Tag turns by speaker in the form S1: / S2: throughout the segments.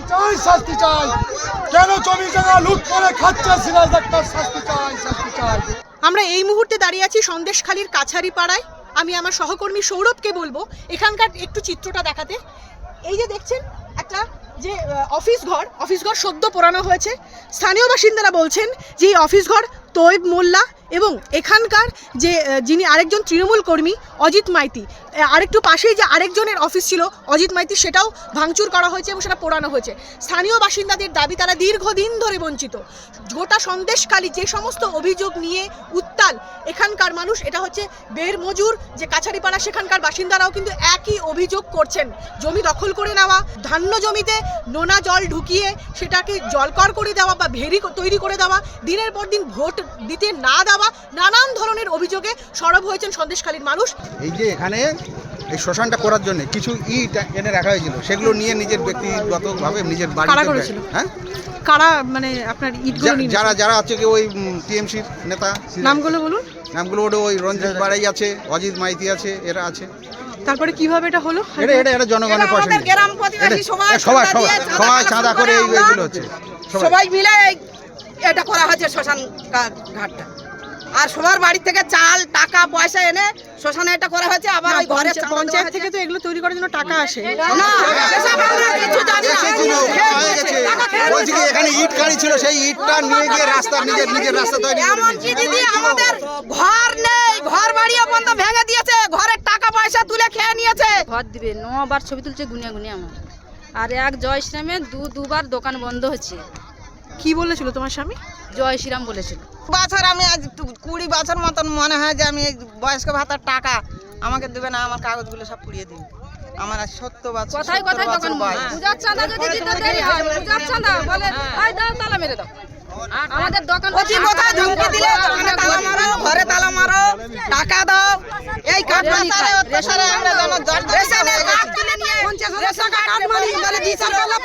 S1: চাই, শাস্তি চাই। কেন জমি জায়গা লুট করে খাচ্ছে সিরাজ ডাক্তার, শাস্তি চাই, শাস্তি চাই।
S2: আমরা এই মুহূর্তে দাঁড়িয়ে আছি সন্দেশখালীর কাছারি পাড়ায়। আমি আমার সহকর্মী সৌরভকে বলবো এখানকার একটু চিত্রটা দেখাতে। এই যে দেখছেন একটা যে অফিস ঘর সদ্য পোড়ানো হয়েছে। স্থানীয় বাসিন্দারা বলছেন যে এই অফিস ঘর তৈব মোল্লা এবং এখানকার যে যিনি আরেকজন তৃণমূল কর্মী অজিত মাইতি, আরেকটু পাশেই যে আরেকজনের অফিস ছিল অজিত মাইতি, সেটাও ভাঙচুর করা হয়েছে এবং সেটা পোড়ানো হয়েছে। স্থানীয় বাসিন্দাদের দাবি তারা দীর্ঘদিন ধরে বঞ্চিত। গোটা সন্দেশখালী যে সমস্ত অভিযোগ নিয়ে উত্তাল এখানকার মানুষ, এটা হচ্ছে বের মজুর যে কাছারিপাড়া, সেখানকার বাসিন্দারাও কিন্তু একই অভিযোগ করছেন। জমি দখল করে নেওয়া, ধান্য জমিতে নোনা জল ঢুকিয়ে সেটাকে জলকর করে দেওয়া বা ভেরি তৈরি করে দেওয়া, দিনের পর দিন ভোট দিতে না দেওয়া, নানান ধরনের অভিযোগে সরব হয়েছেন সন্দেশখালীর মানুষ।
S3: এই যে এখানে এই শ্মশানটা করার জন্য কিছু ইট এনে রাখা হয়েছিল, সেগুলো নিয়ে নিজের ব্যক্তিগতভাবে নিজের বাড়িতে
S2: করেছিল।
S3: হ্যাঁ,
S2: কারা মানে আপনার ইটগুলো নিয়ে
S3: যারা যারা আছে কি ওই টিএমসির নেতা,
S2: নামগুলো বলুন।
S3: নামগুলো ওই রঞ্জিত বাড়াই আছে, অজিত মাইতি আছে, এরা আছে।
S2: তারপরে কিভাবে এটা হলো?
S3: এটা জনগণের পয়সা নিয়ে
S4: গ্রাম প্রতিবেশী
S3: সবাই চাঁদা করে এইগুলো হচ্ছে,
S4: সবাই মিলে এটা করা হয়েছে শ্মশান ঘাটটা। আর সবার বাড়ি থেকে চাল টাকা পয়সা এনে শ্মশানে এটা করা হয়েছে। আবার ওই ঘরে
S2: পঞ্চায়েত থেকে তো এগুলো তৈরি করার জন্য টাকা আসে
S4: না, এসব আমরা কিছু জানি না।
S3: বলছি কি এখানে ইট গাড়ি ছিল, সেই ইটটা নিয়ে গিয়ে রাস্তা নিজের রাস্তা তৈরি করে
S4: এমনকি দিদি আমাদের ঘর নেই, ঘর বাড়িও বন্ধ ভেঙে দিয়েছে, ঘরের টাকা পয়সা তুলে খেয়ে নিয়েছে।
S5: ঘর দিবে 9 বার ছবি তুলছে গুনিয়া গুনিয়া আমার। আর এক জয় শ্রীরামে দুবার দোকান বন্ধ হচ্ছে।
S2: কি বলেছিল তোমার স্বামী?
S5: জয় শ্রীরাম বলেছিল।
S4: বছর আমি আজ 20 বছর মতন মনে হয় যে আমি বয়স্ক ভাতার টাকা আমাকে দেবে না, আমার কাগজগুলো সব পুড়িয়ে দিন। আমার আজ 70 বছর,
S5: কথায় কথায় দোকান বন্ধ। পূজার চাঁদা যদি দিতে দেরি হয়, পূজার চাঁদা বলে আই দাও তালা মেরে দাও। আমাদের দোকান
S4: কোথায় ধমকি দিলে দোকানে তালা মারো, ঘরে তালা মারো, টাকা দাও। এই কাঠ বাজারে অত্যাচারে আমরা যেন রেশনের কার্ড তুলে নিয়ে 50,000 টাকা কার্ড মারি বলে দিছে,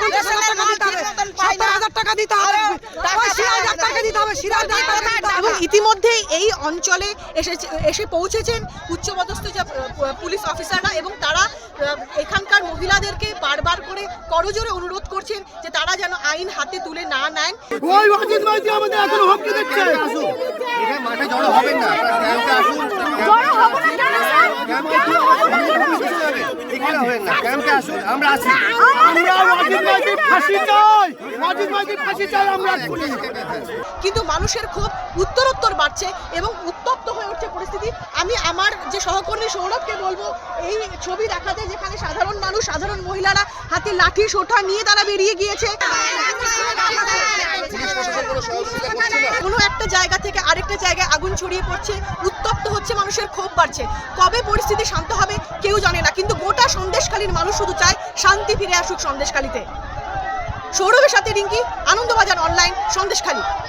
S4: 50,000 টাকা দিতে হবে, 70,000 টাকা দিতে হবে, 60,000 টাকা দিতে হবে।
S2: এবং ইতিমধ্যেই এই অঞ্চলে এসে পৌঁছেছেন উচ্চপদস্থ যে পুলিশ অফিসাররা এবং তারা এখানকার মহিলাদেরকে বারবার করে করজোরে অনুরোধ করছেন যে তারা যেন আইন হাতে তুলে না নেন।
S1: ওই অজিত মাইতি আমাদের এখন হুমকি দিচ্ছে।
S3: এখানে মাঠে জড়ো হবেন না, ক্যাম্পে আসুন। এখানে হবেন না, ক্যাম্পে আসুন, আমরা আছি।
S1: আমরা অজিত মাইতির ফাঁসি চাই, অজিত মাইতির ফাঁসি চাই আমরা।
S2: কিন্তু মানুষের ক্ষোভ উত্তরোত্তর বাড়ছে এবং উত্তপ্ত হয়ে উঠছে পরিস্থিতি। আমি আমার যে সহকর্মী সৌরভকে বলবো এই ছবি দেখাতে, যেখানে সাধারণ মানুষ, সাধারণ মহিলারা হাতে লাঠি সোঁঠা নিয়ে তারা বেরিয়ে গিয়েছে। কোনো একটা জায়গা থেকে আরেকটা জায়গায় আগুন ছড়িয়ে পড়ছে, উত্তপ্ত হচ্ছে, মানুষের ক্ষোভ বাড়ছে। কবে পরিস্থিতি শান্ত হবে কেউ জানে না, কিন্তু গোটা সন্দেশখালীর মানুষ শুধু চায় শান্তি ফিরে আসুক সন্দেশখালীতে। সৌরভের সাথে রিঙ্কি, আনন্দবাজার অনলাইন, সন্দেশখালী।